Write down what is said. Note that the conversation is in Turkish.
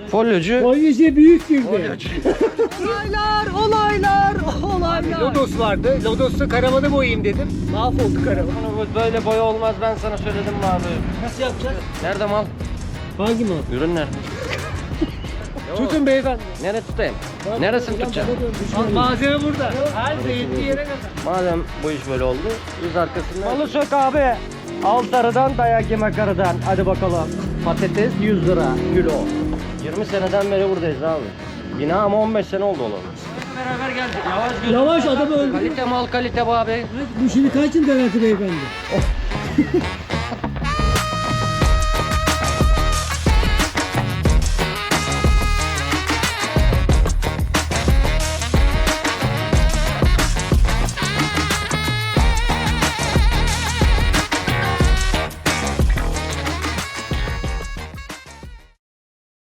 Folyocu. Polisi büyük girdi. Olaylar. Lodos vardı. Lodos'ta karavanı boyayayım dedim. Mahvoldu karavan. Bunu böyle boya olmaz, ben sana söyledim mi abi? Nasıl yapacağız? Nerede mal? Hangi mal? Ürün nerede? Tutun beyefendi. Nereye tutayım? Neresini tutacağım? Malzeme burada. Her zeytli yere kadar. Madem bu iş böyle oldu, biz arkasından... Malı sök abi. Al sarıdan, dayak yeme karıdan. Hadi bakalım. Patates 100 lira kilo. 20 seneden beri buradayız abi. Bina ama 15 sene oldu olalım. Beraber geldik. Yavaş gözüm. Yavaş adamı öldü. Kalite mal kalite bu abi. Bu şimdi kaç yıl garanti beyefendi?